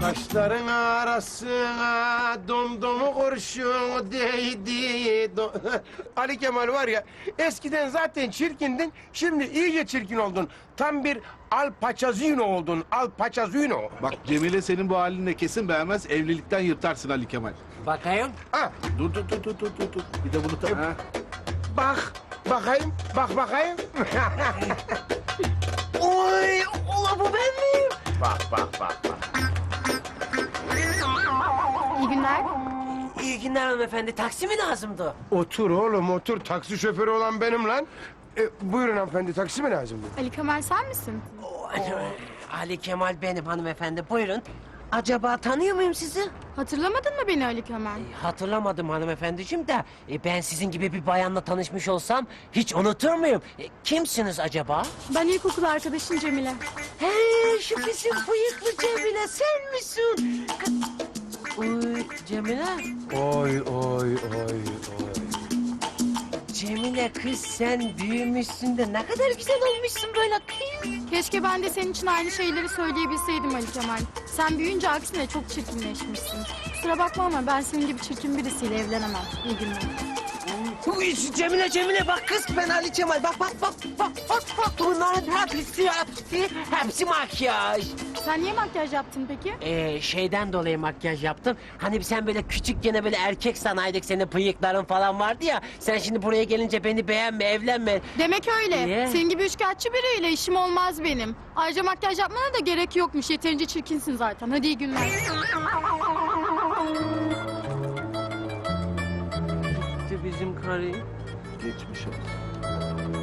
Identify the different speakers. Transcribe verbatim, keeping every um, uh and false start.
Speaker 1: Kaşların arasına domdomu kurşun değdi. Do Ali Kemal var ya, eskiden zaten çirkindin, şimdi iyice çirkin oldun. Tam bir Al Pacino oldun, Al Pacino.
Speaker 2: Bak Cemile senin bu halinle kesin beğenmez, evlilikten yırtarsın Ali Kemal.
Speaker 3: Bakayım.
Speaker 1: Ha,
Speaker 2: Dur dur dur dur dur dur. dur. Bir de bunu ta... Ha.
Speaker 1: bak, bakayım, bak bakayım.
Speaker 3: Oy, ula bu ben miyim?
Speaker 1: Bak, bak, bak, bak.
Speaker 4: İyi günler.
Speaker 3: İyi günler hanımefendi. Taksi mi lazımdı?
Speaker 1: Otur oğlum, otur. Taksi şoförü olan benim lan. E, buyurun hanımefendi, taksi mi lazım?
Speaker 4: Ali Kemal sen misin?
Speaker 3: Ali Kemal benim hanımefendi. Buyurun. Acaba tanıyor muyum sizi?
Speaker 4: Hatırlamadın mı beni Ali Kemal?
Speaker 3: Hatırlamadım hanımefendiciğim de e, ben sizin gibi bir bayanla tanışmış olsam hiç unutur muyum? E, kimsiniz acaba?
Speaker 4: Ben ilkokul arkadaşın Cemile.
Speaker 3: Hey, şu bizim bıyıklı Cemile sen misin? Oy Cemile.
Speaker 1: Oy, oy, oy, oy.
Speaker 3: Cemile kız sen büyümüşsün de ne kadar güzel olmuşsun böyle kız.
Speaker 4: Keşke ben de senin için aynı şeyleri söyleyebilseydim Ali Kemal. Sen büyüyünce aksine çok çirkinleşmişsin. Kusura bakma ama ben senin gibi çirkin birisiyle evlenemem. İyi günler.
Speaker 3: Uy, Cemile Cemile bak kız ben Ali Kemal bak bak bak bak bak bak bunların hepsi hepsi hepsi makyaj.
Speaker 4: Sen niye makyaj yaptın peki?
Speaker 3: Ee, şeyden dolayı makyaj yaptım. Hani sen böyle küçükken böyle erkek sanaydık senin bıyıkların falan vardı ya. Sen şimdi buraya gelince beni beğenme evlenme.
Speaker 4: Demek öyle.
Speaker 3: Niye?
Speaker 4: Senin gibi üçkağıtçı biriyle işim olmaz benim. Ayrıca makyaj yapmana da gerek yokmuş. Yeterince çirkinsin zaten. Hadi iyi günler.
Speaker 3: Bizim karı.
Speaker 2: Geçmiş olsun.